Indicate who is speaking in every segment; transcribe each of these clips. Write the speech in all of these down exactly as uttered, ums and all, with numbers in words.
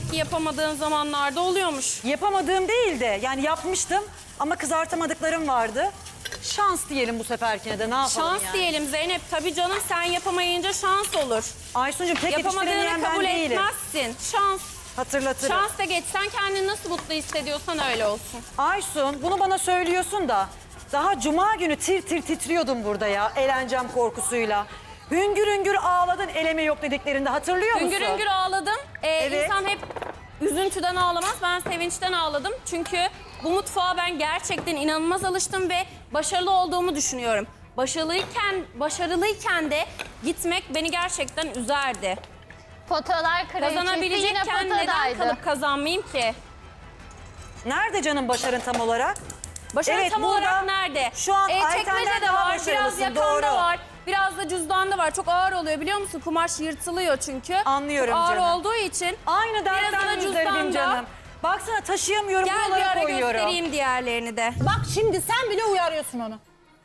Speaker 1: demek ki yapamadığın zamanlarda oluyormuş.
Speaker 2: Yapamadığım değil de yani yapmıştım ama kızartamadıklarım vardı. Şans diyelim bu seferkine de ne yapalım
Speaker 1: Şans
Speaker 2: yani.
Speaker 1: diyelim Zeynep. Tabii canım sen yapamayınca şans olur.
Speaker 2: Aysuncuğum tek yetiştiremeyen
Speaker 1: Yapamadığını
Speaker 2: ben
Speaker 1: kabul
Speaker 2: değilim.
Speaker 1: etmezsin. Şans.
Speaker 2: Hatırlatırım.
Speaker 1: Şans da geç. Sen kendini nasıl mutlu hissediyorsan öyle olsun.
Speaker 2: Aysun bunu bana söylüyorsun da daha cuma günü tir tir titriyordum burada ya eğleneceğim korkusuyla. Hüngür hüngür ağladın eleme yok dediklerinde hatırlıyor musun?
Speaker 1: Hüngür hüngür ağladım. Ee,
Speaker 2: Evet.
Speaker 1: İnsan hep üzüntüden ağlamaz. Ben sevinçten ağladım. Çünkü bu mutfağa ben gerçekten inanılmaz alıştım ve başarılı olduğumu düşünüyorum. Başarılıyken, başarılıyken de gitmek beni gerçekten üzerdi.
Speaker 3: Potalar kraliçesi yine
Speaker 1: Kazanabilecekken neden
Speaker 3: potadaydı.
Speaker 1: kalıp kazanmayayım ki?
Speaker 2: Nerede canım başarın tam olarak?
Speaker 1: Başarı
Speaker 2: Evet,
Speaker 1: tam
Speaker 2: burada
Speaker 1: olarak nerede?
Speaker 2: şu an Ayten'den
Speaker 1: çekmecede
Speaker 2: daha
Speaker 1: var, biraz
Speaker 2: başarılısın,
Speaker 1: yakanda
Speaker 2: doğru.
Speaker 1: var, biraz da cüzdanda var. Çok ağır oluyor biliyor musun? Kumaş yırtılıyor çünkü.
Speaker 2: Anlıyorum
Speaker 1: Çok ağır
Speaker 2: canım.
Speaker 1: olduğu için.
Speaker 2: Aynı
Speaker 1: Biraz
Speaker 2: dertten
Speaker 1: da
Speaker 2: müzdaribim
Speaker 1: cüzdanda.
Speaker 2: canım. Baksana taşıyamıyorum
Speaker 1: Gel bir
Speaker 2: buralara
Speaker 1: ara
Speaker 2: koyuyorum.
Speaker 1: göstereyim diğerlerini de.
Speaker 4: Bak şimdi sen bile uyarıyorsun onu.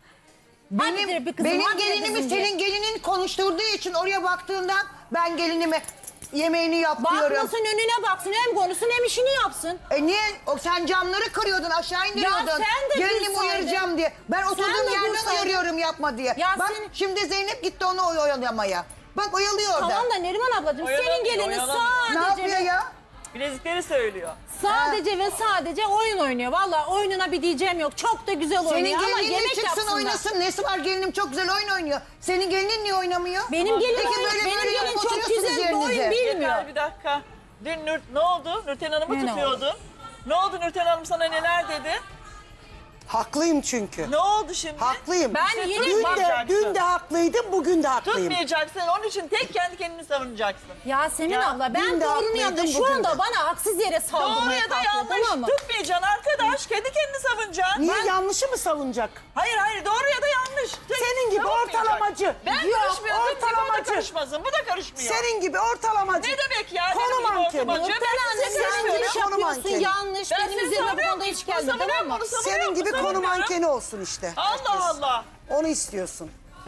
Speaker 4: Hadi
Speaker 5: Benim,
Speaker 4: bir kızım,
Speaker 5: benim
Speaker 4: hadi
Speaker 5: gelinimi
Speaker 4: kızım diye.
Speaker 5: senin gelinin konuşturduğu için oraya baktığından ben gelinime yemeğini yap diyorum.
Speaker 4: Bakmasın önüne baksın hem konuşsun hem işini yapsın.
Speaker 5: E niye? O, sen camları kırıyordun, aşağı indiriyordun.
Speaker 4: sen de
Speaker 5: Gelinimi
Speaker 4: dursaydın.
Speaker 5: uyaracağım diye. Ben oturduğum
Speaker 4: de
Speaker 5: yerden
Speaker 4: dursaydın.
Speaker 5: uyarıyorum yapma diye.
Speaker 4: Ya
Speaker 5: Bak
Speaker 4: sen-
Speaker 5: şimdi Zeynep gitti onu oy- oyalamaya. Bak oyalıyor orada.
Speaker 4: Tamam da Neriman ablacığım senin
Speaker 6: Oyalanmıyor,
Speaker 4: gelinin
Speaker 6: oyalanmıyor.
Speaker 5: Ne
Speaker 4: sadece
Speaker 5: yapıyor
Speaker 4: ve,
Speaker 5: ya?
Speaker 6: Bilezikleri söylüyor.
Speaker 4: sadece ve sadece oyun oynuyor. Vallahi oyununa bir diyeceğim yok. Çok da güzel
Speaker 5: Senin
Speaker 4: oynuyor ama
Speaker 5: gelinin
Speaker 4: yemek
Speaker 5: çıksın
Speaker 4: yapsınlar.
Speaker 5: oynasın. Nesi var, gelinim çok güzel oyun oynuyor. Senin gelinin niye oynamıyor?
Speaker 4: Benim gelinim,
Speaker 5: Peki
Speaker 4: oyun-
Speaker 5: böyle
Speaker 4: benim
Speaker 5: böyle
Speaker 4: gelin
Speaker 5: yapıp
Speaker 4: çok
Speaker 5: oturuyorsunuz
Speaker 4: güzel bir oyun
Speaker 5: yerinize.
Speaker 4: bilmiyor.
Speaker 6: Yeter bir dakika. Dün Nur, ne oldu? Nurten Hanım'ı
Speaker 4: Ne
Speaker 6: tutuyordun. Ne oldu Nurten Hanım sana neler dedi?
Speaker 7: Haklıyım çünkü.
Speaker 6: Ne oldu şimdi?
Speaker 7: Haklıyım.
Speaker 4: Ben
Speaker 6: İşte
Speaker 4: yine-
Speaker 7: Dün de,
Speaker 6: tutmayacaksın.
Speaker 7: dün de haklıydım, bugün de haklıyım.
Speaker 6: Tutmayacaksın. Onun için tek kendi kendini savunacaksın.
Speaker 4: Yasemin
Speaker 6: Ya,
Speaker 4: abla ben
Speaker 7: dün de
Speaker 4: doğrunu
Speaker 7: haklıydım,
Speaker 4: yaptım. Şu
Speaker 7: bugün
Speaker 4: anda
Speaker 7: de.
Speaker 4: bana haksız yere
Speaker 6: Doğru
Speaker 4: saldırmaya
Speaker 6: ya da
Speaker 4: kalkıyor,
Speaker 6: yanlış.
Speaker 4: tamam mı?
Speaker 6: Tutmayacaksın arkadaş. Kendi kendini savunacaksın.
Speaker 7: Niye
Speaker 6: Ben-
Speaker 7: yanlışı mı savunacak?
Speaker 6: Hayır hayır doğru ya da yanlış. Tek-
Speaker 7: Senin gibi
Speaker 6: savunmayacak.
Speaker 7: ortalamacı.
Speaker 6: Ben
Speaker 7: Yok,
Speaker 6: karışmıyorum. O da
Speaker 7: ortalamacı.
Speaker 6: karışmasın. Bu da karışmıyor.
Speaker 7: Senin gibi ortalamacı.
Speaker 6: Ne demek ya?
Speaker 7: Konu
Speaker 6: Benim gibi
Speaker 7: mankeni.
Speaker 6: ortamacı.
Speaker 4: Nurten
Speaker 6: Ben
Speaker 4: anne
Speaker 6: sizi
Speaker 4: sen
Speaker 6: sevmiyorum.
Speaker 4: yanlış
Speaker 7: Konu
Speaker 4: yapıyorsun
Speaker 7: mankeni.
Speaker 4: yanlış.
Speaker 6: Ben
Speaker 4: Benim
Speaker 6: seni
Speaker 4: üzerime bu
Speaker 6: savunuyorum.
Speaker 4: konuda hiç
Speaker 6: Bunu
Speaker 4: gelme tamam
Speaker 6: savunuyorum,
Speaker 4: mı?
Speaker 6: bunu savunuyorum,
Speaker 7: Senin gibi
Speaker 6: bunu
Speaker 7: konu
Speaker 6: savunuyorum.
Speaker 7: mankeni olsun işte.
Speaker 6: Allah Allah.
Speaker 7: Onu istiyorsun.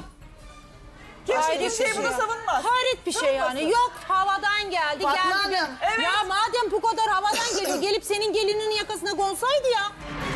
Speaker 6: Kimse
Speaker 4: Hayret
Speaker 6: kimseyi
Speaker 4: bir
Speaker 6: bunu
Speaker 4: şey.
Speaker 6: savunmaz.
Speaker 4: Hayret bir şey yani.
Speaker 6: Savunmasın.
Speaker 4: Yok havadan geldi
Speaker 5: Fatma
Speaker 4: geldi.
Speaker 5: Hanım,
Speaker 6: evet.
Speaker 4: Ya madem bu kadar havadan geliyor gelip senin gelinin yakasına konsaydı ya.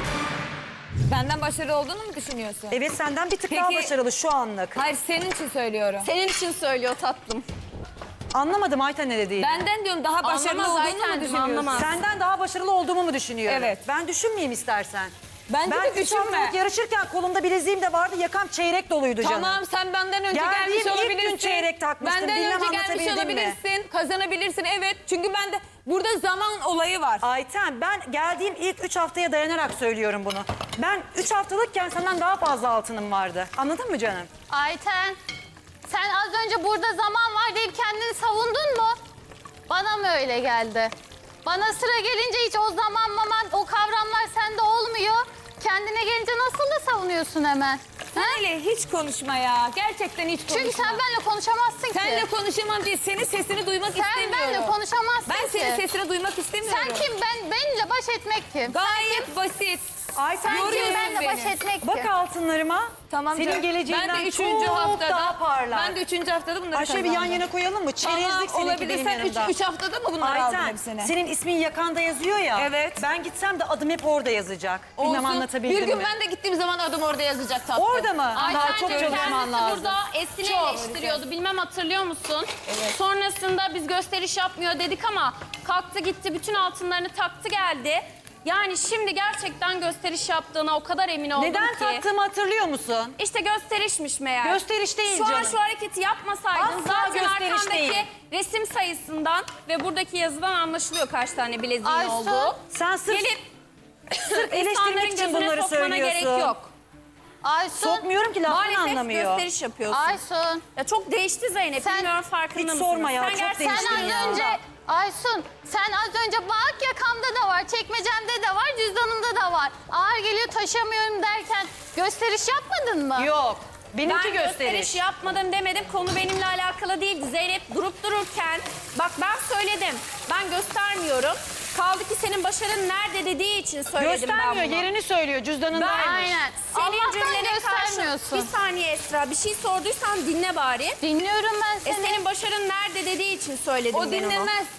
Speaker 8: Benden başarılı olduğunu mu düşünüyorsun?
Speaker 2: Evet senden bir tık daha
Speaker 8: Peki-
Speaker 2: başarılı şu anlık.
Speaker 8: Hayır senin için söylüyorum.
Speaker 1: Senin için söylüyor tatlım.
Speaker 2: Anlamadım Ayten ne dediğini.
Speaker 8: Benden diyorum daha başarılı
Speaker 1: Anlamaz
Speaker 8: olduğunu mu
Speaker 1: Aytencim,
Speaker 8: düşünüyorsun?
Speaker 1: anlamaz.
Speaker 2: Senden daha başarılı olduğumu mu düşünüyorum?
Speaker 8: Evet.
Speaker 2: Ben düşünmeyeyim istersen.
Speaker 8: Bence
Speaker 2: ben
Speaker 8: de
Speaker 2: üç
Speaker 8: düşünme.
Speaker 2: haftalık yarışırken kolumda bileziğim de vardı, yakam çeyrek doluydu canım.
Speaker 8: Tamam sen benden önce
Speaker 2: Geldiğim
Speaker 8: gelmiş
Speaker 2: ilk gün
Speaker 8: olabilirsin.
Speaker 2: çeyrek takmıştım,
Speaker 8: Benden
Speaker 2: bilmem
Speaker 8: önce gelmiş
Speaker 2: anlatabildim mi?
Speaker 8: olabilirsin. Kazanabilirsin evet. Çünkü ben de burada zaman olayı var.
Speaker 2: Ayten ben geldiğim ilk üç haftaya dayanarak söylüyorum bunu. Ben üç haftalıkken senden daha fazla altınım vardı. Anladın mı canım?
Speaker 3: Ayten, sen az önce burada zaman var deyip kendini savundun mu? Bana mı öyle geldi? Bana sıra gelince hiç o zaman maman, o kavramlar sende olmuyor. Kendine gelince nasıl da savunuyorsun hemen?
Speaker 8: Sen
Speaker 3: Ha?
Speaker 8: öyle hiç konuşma ya. Gerçekten hiç konuşma.
Speaker 3: Çünkü sen benimle konuşamazsın ki.
Speaker 8: Senle konuşamam değil. Senin sesini duymak
Speaker 3: Sen
Speaker 8: istemiyorum.
Speaker 3: benimle konuşamazsın
Speaker 8: Ben
Speaker 3: ki.
Speaker 8: senin sesini duymak istemiyorum.
Speaker 3: Sen kim? Ben benimle baş etmek kim?
Speaker 8: Gayet basit.
Speaker 2: Ayten
Speaker 3: Sen kim
Speaker 8: yoruyorsun
Speaker 3: benimle baş
Speaker 8: beni.
Speaker 3: etmek
Speaker 2: bak
Speaker 3: kim?
Speaker 2: altınlarıma.
Speaker 8: Tamam
Speaker 2: Senin
Speaker 8: canım.
Speaker 2: geleceğinden
Speaker 8: ben de üçüncü
Speaker 2: çok
Speaker 8: haftada,
Speaker 2: daha parlar.
Speaker 8: Ben de üçüncü haftada bunları
Speaker 2: Ayşe bir yan
Speaker 8: kazandım.
Speaker 2: yana koyalım mı?
Speaker 8: Tamam,
Speaker 2: Çerezlik seninki
Speaker 8: olabilir.
Speaker 2: benim
Speaker 8: Sen üç,
Speaker 2: yanımda.
Speaker 8: üç haftada mı bunları aldın
Speaker 2: Ayten
Speaker 8: hepsini?
Speaker 2: senin ismin yakanda yazıyor ya.
Speaker 8: Evet.
Speaker 2: Ben gitsem de adım hep orada yazacak. Bilmem
Speaker 8: Olsun.
Speaker 2: anlatabildim
Speaker 8: Bir gün
Speaker 2: mi?
Speaker 8: ben de gittiğim zaman adım orada yazacak tatlım.
Speaker 2: Orada mı? Daha
Speaker 1: Aytencim,
Speaker 2: çok çalışman
Speaker 1: kendisi
Speaker 2: lazım.
Speaker 1: burada Esin'i
Speaker 8: Çok.
Speaker 1: eleştiriyordu. Bilmem hatırlıyor musun? Sonrasında biz gösteriş yapmıyor dedik ama kalktı gitti bütün altınlarını taktı geldi. Yani şimdi gerçekten gösteriş yaptığına o kadar emin oldum
Speaker 2: Neden
Speaker 1: ki.
Speaker 2: taktığımı hatırlıyor musun?
Speaker 1: İşte gösterişmiş meğer.
Speaker 2: Gösteriş değil
Speaker 1: Şu an
Speaker 2: canım.
Speaker 1: şu hareketi yapmasaydın
Speaker 2: Asla
Speaker 1: zaten
Speaker 2: gösteriş
Speaker 1: arkandaki
Speaker 2: değil.
Speaker 1: resim sayısından ve buradaki yazıdan anlaşılıyor kaç tane bileziğin
Speaker 3: Aysu,
Speaker 1: olduğu.
Speaker 2: Sen sırf,
Speaker 1: Gelip
Speaker 2: sırf
Speaker 1: insanların
Speaker 2: eleştirmek için
Speaker 1: gözüne
Speaker 2: bunları
Speaker 1: sokmana gerek
Speaker 2: söylüyorsun.
Speaker 1: yok.
Speaker 3: Aysun,
Speaker 2: Sokmuyorum ki lafını
Speaker 1: Maalesef
Speaker 2: anlamıyor.
Speaker 1: gösteriş yapıyorsun.
Speaker 3: Aysun.
Speaker 1: Ya çok değişti Zeynep.
Speaker 3: Sen-
Speaker 1: Bilmiyorum farkında
Speaker 2: Hiç
Speaker 1: mısın?
Speaker 2: sorma ya,
Speaker 1: Sen
Speaker 2: çok
Speaker 1: gerçekten
Speaker 2: değişti
Speaker 3: Sen az
Speaker 2: ya.
Speaker 3: önce, Aysun, sen az önce bak yakamda da var, çekmecemde de var, cüzdanımda da var. Ağır geliyor taşıyamıyorum derken gösteriş yapmadın mı?
Speaker 2: Yok. Benimki
Speaker 1: Ben
Speaker 2: gösteriş.
Speaker 1: gösteriş yapmadım demedim. Konu benimle alakalı değildi. Zeynep durup dururken bak ben söyledim. Ben göstermiyorum. Kaldı ki senin başarın nerede dediği için söyledim ben
Speaker 2: Göstermiyor,
Speaker 1: bunu.
Speaker 2: yerini söylüyor. Cüzdanındaymış.
Speaker 3: Aynen.
Speaker 1: Senin
Speaker 3: Allah'tan
Speaker 1: cümlene karşı
Speaker 3: göstermiyorsun.
Speaker 1: bir saniye Esra bir şey sorduysan dinle bari.
Speaker 3: Dinliyorum ben
Speaker 1: E
Speaker 3: seni.
Speaker 1: senin başarın nerede dediği için söyledim
Speaker 8: O
Speaker 1: ben onu.
Speaker 8: dinlemez.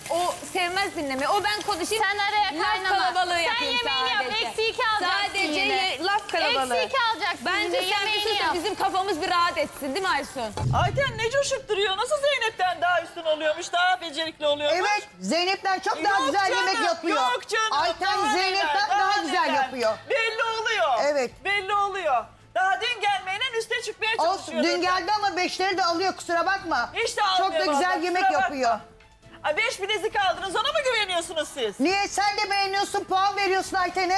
Speaker 8: o sevmez dinlemeyi. O ben konuşayım.
Speaker 3: Sen araya
Speaker 8: laf
Speaker 3: kaynama.
Speaker 8: kalabalığı
Speaker 3: Sen
Speaker 8: yapayım
Speaker 3: yemeğini yap.
Speaker 8: sadece.
Speaker 3: Eksi iki alacaksın
Speaker 8: Sadece
Speaker 3: yine.
Speaker 8: ye- laf kalabalığı.
Speaker 3: Eksi iki alacaksın
Speaker 8: Bence
Speaker 3: yine.
Speaker 8: sen bir
Speaker 3: Yemeğini
Speaker 8: sus da
Speaker 3: yap.
Speaker 8: bizim kafamız bir rahat etsin değil mi Aysun?
Speaker 6: Ayten ne coşup duruyor? Nasıl Zeynep'ten daha üstün oluyormuş, daha becerikli oluyormuş?
Speaker 5: Evet, Zeynep'ten çok daha
Speaker 6: Yok
Speaker 5: güzel
Speaker 6: canım,
Speaker 5: yemek yapıyor.
Speaker 6: Yok canım.
Speaker 5: Ayten
Speaker 6: daha
Speaker 5: Zeynep'ten
Speaker 6: neler,
Speaker 5: daha, güzel
Speaker 6: neler.
Speaker 5: yapıyor.
Speaker 6: Belli oluyor.
Speaker 5: Evet.
Speaker 6: Belli oluyor. Daha dün gelmeyle üste çıkmaya
Speaker 5: Olsun,
Speaker 6: çalışıyor.
Speaker 5: dün geldi ama beşleri de alıyor, kusura bakma.
Speaker 6: Hiç de
Speaker 5: Çok
Speaker 6: almıyor
Speaker 5: da güzel
Speaker 6: vallahi,
Speaker 5: yemek
Speaker 6: kusura bakma.
Speaker 5: yapıyor.
Speaker 6: Ay beş bilezik aldınız, ona mı güveniyorsunuz siz?
Speaker 5: Niye sen de beğeniyorsun, puan veriyorsun Ayten'e?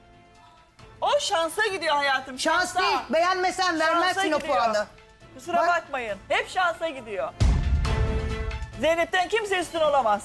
Speaker 6: O şansa gidiyor hayatım.
Speaker 5: Şans
Speaker 6: şansa.
Speaker 5: değil, beğenmesen vermezsin
Speaker 6: Şansa
Speaker 5: o
Speaker 6: gidiyor.
Speaker 5: puanı.
Speaker 6: Kusura
Speaker 5: Bak-
Speaker 6: bakmayın. Hep şansa gidiyor. Zeynep'ten kimse üstün olamaz.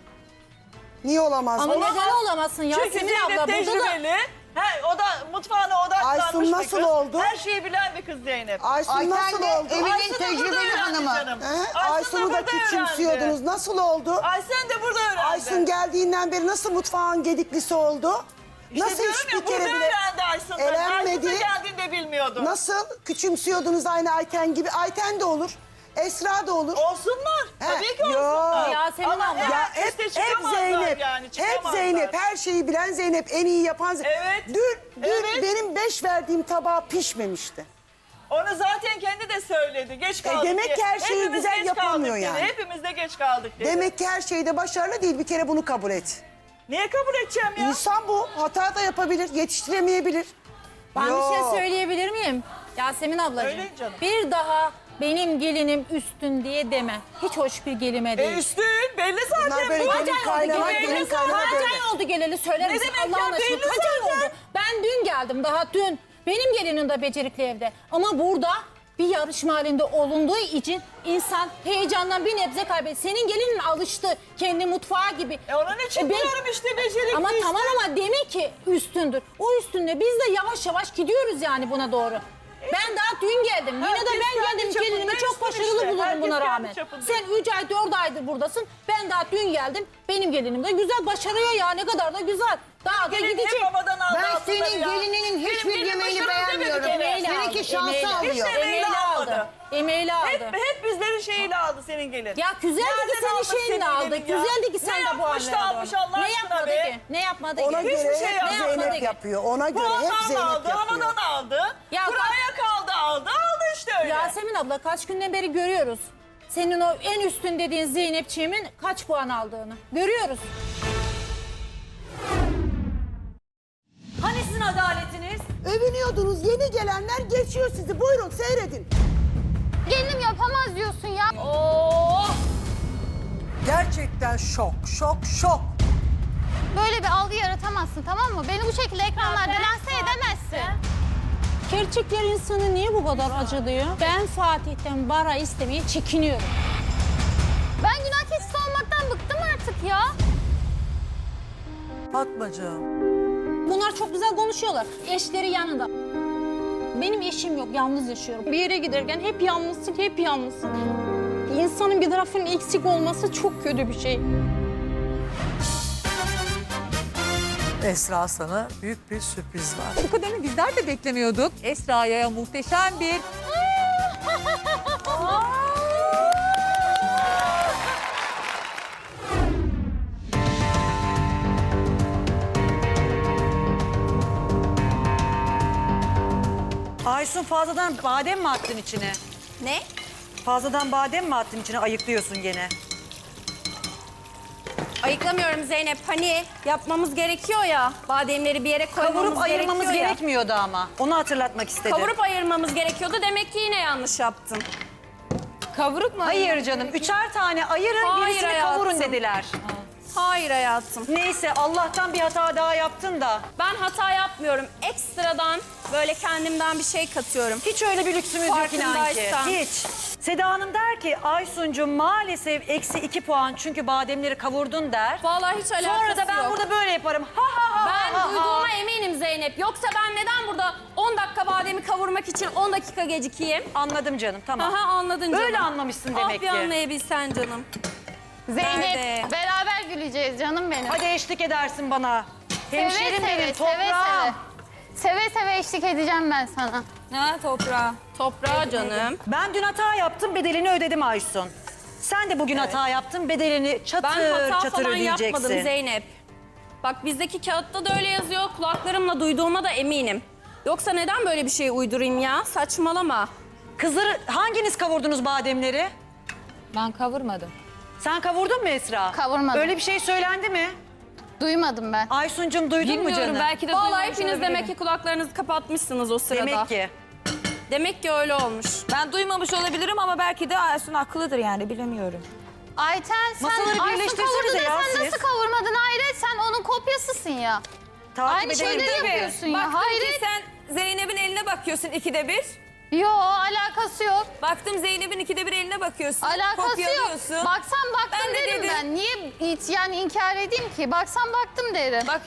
Speaker 7: Niye olamaz?
Speaker 4: Ama
Speaker 7: Olamaz.
Speaker 4: neden olamasın
Speaker 6: Çünkü
Speaker 4: Yasemin
Speaker 6: Zeynep
Speaker 4: abla? Burada da
Speaker 6: tecrübeli. He, o da mutfağına odaklanmış
Speaker 7: Aysun
Speaker 6: bir
Speaker 7: nasıl
Speaker 6: kız.
Speaker 7: oldu?
Speaker 6: Her şeyi bilen bir kız Zeynep.
Speaker 7: Aysun
Speaker 5: Ayten
Speaker 7: nasıl
Speaker 5: de
Speaker 7: oldu?
Speaker 5: evinin
Speaker 6: Aysun da burada
Speaker 5: tecrübeli
Speaker 6: öğrendi
Speaker 5: hanımı.
Speaker 6: canım.
Speaker 7: He?
Speaker 6: Aysun
Speaker 7: Aysun'u da
Speaker 6: burada
Speaker 7: küçümsüyordunuz.
Speaker 6: öğrendi.
Speaker 7: Nasıl oldu?
Speaker 6: Aysun de burada öğrendi.
Speaker 7: Aysun geldiğinden beri nasıl mutfağın gediklisi oldu?
Speaker 6: İşte
Speaker 7: Nasıl
Speaker 6: diyorum
Speaker 7: hiç
Speaker 6: ya,
Speaker 7: bir kere
Speaker 6: burada
Speaker 7: bile
Speaker 6: öğrendi Aysun'dan.
Speaker 7: elenmedi?
Speaker 6: Aysun da geldiğinde bilmiyordu.
Speaker 7: Nasıl küçümsüyordunuz aynı Ayten gibi? Ayten de olur. Esra da olur.
Speaker 6: Olsunlar.
Speaker 7: He,
Speaker 6: Tabii ki
Speaker 7: yo.
Speaker 6: olsunlar.
Speaker 4: Yasemin
Speaker 6: Ama
Speaker 4: abla.
Speaker 6: her
Speaker 7: Ya
Speaker 6: üste
Speaker 7: hep, hep
Speaker 6: çıkamazlar
Speaker 7: Zeynep,
Speaker 6: yani,
Speaker 7: hep
Speaker 6: çıkamazlar.
Speaker 7: Zeynep, her şeyi bilen Zeynep, en iyi yapan Zeynep.
Speaker 6: Evet,
Speaker 7: Dün, dün
Speaker 6: evet.
Speaker 7: benim beş verdiğim tabağı pişmemişti.
Speaker 6: Onu zaten kendi de söyledi. Geç kaldık
Speaker 7: demek
Speaker 6: diye.
Speaker 7: ki her şeyi
Speaker 6: Hepimiz
Speaker 7: güzel
Speaker 6: geç
Speaker 7: yapamıyor
Speaker 6: kaldık dedi.
Speaker 7: yani.
Speaker 6: Hepimiz de geç kaldık dedi.
Speaker 7: Demek ki her şeyde başarılı değil. Bir kere bunu kabul et.
Speaker 6: Niye kabul edeceğim ya?
Speaker 7: İnsan bu. Hata da yapabilir, yetiştiremeyebilir.
Speaker 4: Ben
Speaker 7: Yo.
Speaker 4: bir şey söyleyebilir miyim? Yasemin ablacığım.
Speaker 6: Öyle canım.
Speaker 4: Bir daha benim gelinim üstün diye deme. Hiç hoş bir gelime değil.
Speaker 6: E üstün belli zaten.
Speaker 7: Bunlar böyle
Speaker 6: Bu.
Speaker 7: gelin kaynana,
Speaker 6: geleli
Speaker 7: gelin kaynana
Speaker 4: Kaç
Speaker 7: böyle.
Speaker 4: ay oldu geleli söyler
Speaker 6: Ne
Speaker 4: misin?
Speaker 6: demek
Speaker 4: Allah'ın
Speaker 6: ya?
Speaker 4: aşkına
Speaker 6: Belli
Speaker 4: kaç ay
Speaker 6: zaten.
Speaker 4: oldu? Ben dün geldim daha dün. Benim gelinim de becerikli evde. Ama burada bir yarışma halinde olunduğu için insan heyecandan bir nebze kaybediyor. Senin gelinin alıştı kendi mutfağı gibi.
Speaker 6: E onun için
Speaker 4: E ben-
Speaker 6: diyorum işte becerikli
Speaker 4: Ama
Speaker 6: işte.
Speaker 4: tamam ama demek ki üstündür. O üstünde biz de yavaş yavaş gidiyoruz yani buna doğru. Ben daha dün geldim. Yine de
Speaker 6: Herkes
Speaker 4: ben
Speaker 6: kendi
Speaker 4: geldim
Speaker 6: çapında
Speaker 4: gelinimi çok
Speaker 6: üstün
Speaker 4: başarılı
Speaker 6: işte.
Speaker 4: bulurum
Speaker 6: Herkes
Speaker 4: buna
Speaker 6: kendi
Speaker 4: rağmen.
Speaker 6: çapında.
Speaker 4: Sen üç ay dört aydır buradasın. Ben daha dün geldim. Benim gelinim de güzel başarıyor ya ne kadar da güzel. Daha da
Speaker 6: Gelin
Speaker 4: gidecek.
Speaker 6: hep babadan aldı
Speaker 5: Ben
Speaker 6: altınları
Speaker 5: senin
Speaker 6: ya.
Speaker 5: gelininin
Speaker 6: Benim
Speaker 5: hiçbir
Speaker 6: gelinim
Speaker 5: yemeğini
Speaker 6: başarılı demedi
Speaker 5: beğenmiyorum.
Speaker 6: gene.
Speaker 4: Emeğiyle
Speaker 5: Seninki
Speaker 4: aldı,
Speaker 5: şansı
Speaker 4: emeğiyle.
Speaker 5: alıyor.
Speaker 6: Hiç de emeğiyle
Speaker 4: Emeğiyle
Speaker 6: almadı.
Speaker 4: aldı. Emeğiyle aldı.
Speaker 6: Hep, hep bizlerin şeyiyle aldı senin gelin.
Speaker 4: Ya güzeldi ki
Speaker 6: Nereden
Speaker 4: senin
Speaker 6: aldı
Speaker 4: şeyinle
Speaker 6: senin
Speaker 4: aldı.
Speaker 6: gelin ya?
Speaker 4: Güzeldi ki sen
Speaker 6: Ne
Speaker 4: de bu
Speaker 6: yapmış da
Speaker 4: hallere
Speaker 6: almış
Speaker 4: doğru.
Speaker 6: Allah
Speaker 4: Ne
Speaker 6: aşkına
Speaker 4: yapmadı
Speaker 6: be?
Speaker 4: ki? Ne yapmadı
Speaker 7: Ona
Speaker 4: ki?
Speaker 7: göre
Speaker 6: Hiçbir şey
Speaker 7: hep
Speaker 6: yapmadı.
Speaker 7: Zeynep yapıyor. Ona göre hep
Speaker 6: Puandan
Speaker 7: Zeynep
Speaker 6: aldı,
Speaker 7: yapıyor.
Speaker 6: hanadan aldı.
Speaker 4: Ya
Speaker 6: Buraya kaldı aldı, aldı işte öyle.
Speaker 4: Yasemin abla kaç günden beri görüyoruz. Senin o en üstün dediğin Zeynepçiğimin kaç puan aldığını. Görüyoruz.
Speaker 2: Hani sizin adaletiniz?
Speaker 7: Övünüyordunuz. Yeni gelenler geçiyor sizi. Buyurun seyredin.
Speaker 3: Gelinim yapamaz diyorsun ya.
Speaker 9: Gerçekten şok, şok, şok.
Speaker 3: Böyle bir algı yaratamazsın tamam mı? Beni bu şekilde ekranlarda lanse edemezsin.
Speaker 4: Gerçekler insanı niye bu kadar acılıyor? Ben Fatih'ten bara istemeye çekiniyorum.
Speaker 3: Ben günah keçisi olmaktan bıktım artık ya.
Speaker 9: Fatmacığım.
Speaker 4: Bunlar çok güzel konuşuyorlar. Eşleri yanında. Benim eşim yok, yalnız yaşıyorum. Bir yere giderken hep yalnızsın, hep yalnızsın. İnsanın bir tarafının eksik olması çok kötü bir şey.
Speaker 9: Esra sana büyük bir sürpriz var.
Speaker 10: Bu kadarını bizler de beklemiyorduk. Esra'ya muhteşem bir...
Speaker 2: Aysun fazladan badem mi attın içine?
Speaker 1: Ne?
Speaker 2: Fazladan badem mi attın içine ayıklıyorsun gene?
Speaker 1: Ayıklamıyorum Zeynep. Hani yapmamız gerekiyor ya. Bademleri bir yere koymamız
Speaker 2: Kavurup ayırmamız
Speaker 1: gerekiyor ya.
Speaker 2: gerekmiyordu ama. Onu hatırlatmak istedim.
Speaker 1: Kavurup ayırmamız gerekiyordu. Demek ki yine yanlış yaptım.
Speaker 8: Kavuruk mu?
Speaker 2: Hayır canım. Üçer tane ayırın,
Speaker 1: Hayır
Speaker 2: birisini
Speaker 1: hayatım.
Speaker 2: kavurun dediler.
Speaker 1: Hayır hayatım.
Speaker 2: Neyse Allah'tan bir hata daha yaptın da.
Speaker 1: Ben hata yapmıyorum. Ekstradan böyle kendimden bir şey katıyorum.
Speaker 2: Hiç öyle bir lüksümüz yok inan ki.
Speaker 1: Farkındaysan.
Speaker 2: Hiç. Seda Hanım der ki Aysun'cum maalesef eksi iki puan çünkü bademleri kavurdun der.
Speaker 1: Vallahi hiç alakası
Speaker 2: Sonra da ben
Speaker 1: yok.
Speaker 2: burada böyle yaparım. Ha ha ha
Speaker 1: Ben
Speaker 2: ha, ha.
Speaker 1: duyduğuma eminim Zeynep. Yoksa ben neden burada on dakika bademi kavurmak için on dakika gecikeyim?
Speaker 2: Anladım canım tamam.
Speaker 1: Aha anladın canım.
Speaker 2: Öyle anlamışsın demek
Speaker 1: ah, bir
Speaker 2: ki.
Speaker 1: anlayabilsen canım.
Speaker 3: Zeynep
Speaker 1: Nerede?
Speaker 3: beraber güleceğiz canım benim.
Speaker 2: Hadi eşlik edersin bana.
Speaker 3: Seve
Speaker 2: Hemşerim
Speaker 3: seve,
Speaker 2: benim
Speaker 3: seve
Speaker 2: toprağım.
Speaker 3: seve. Seve seve eşlik edeceğim ben sana.
Speaker 8: Ha toprağa.
Speaker 1: Toprağa canım.
Speaker 2: Ben dün hata yaptım bedelini ödedim Aysun. Sen de bugün hata yaptın. Bedelini çatır
Speaker 1: Ben hata
Speaker 2: çatır
Speaker 1: falan
Speaker 2: ödeyeceksin.
Speaker 1: yapmadım Zeynep. Bak bizdeki kağıtta da öyle yazıyor. Kulaklarımla duyduğuma da eminim. Yoksa neden böyle bir şey uydurayım ya? Saçmalama.
Speaker 2: Kızları hanginiz kavurdunuz bademleri?
Speaker 3: Ben kavurmadım.
Speaker 2: Sen kavurdun mu Esra?
Speaker 3: Kavurmadım.
Speaker 2: Öyle bir şey söylendi mi?
Speaker 3: Duymadım ben.
Speaker 2: Aysun'cum duydun mu
Speaker 8: Bilmiyorum,
Speaker 2: canım?
Speaker 8: belki de
Speaker 1: Vallahi
Speaker 8: duymamış
Speaker 1: hepiniz
Speaker 8: olabilirim.
Speaker 1: demek ki kulaklarınızı kapatmışsınız o sırada.
Speaker 2: Demek ki.
Speaker 1: Demek ki öyle olmuş.
Speaker 8: Ben duymamış olabilirim ama belki de Aysun haklıdır yani bilemiyorum.
Speaker 3: Ayten sen
Speaker 2: Masaları
Speaker 3: Aysun
Speaker 2: birleştirsenize
Speaker 3: kavurdu da
Speaker 2: ya
Speaker 3: sen
Speaker 2: siz.
Speaker 3: nasıl kavurmadın Hayret? Sen onun kopyasısın ya.
Speaker 2: Takip
Speaker 3: Aynı
Speaker 2: edelim.
Speaker 3: şeyleri
Speaker 8: Tabii.
Speaker 3: yapıyorsun ya.
Speaker 8: Baktım
Speaker 3: Hayret.
Speaker 8: ki sen Zeynep'in eline bakıyorsun ikide bir.
Speaker 3: Yo alakası yok.
Speaker 8: Baktım Zeynep'in ikide bir eline bakıyorsun.
Speaker 3: Alakası yok.
Speaker 8: kopyalıyorsun.
Speaker 3: Baksan baktım
Speaker 8: Ben de
Speaker 3: derim
Speaker 8: dedim.
Speaker 3: ben. Niye hiç yani inkar edeyim ki? Baksan baktım derim.
Speaker 8: Bak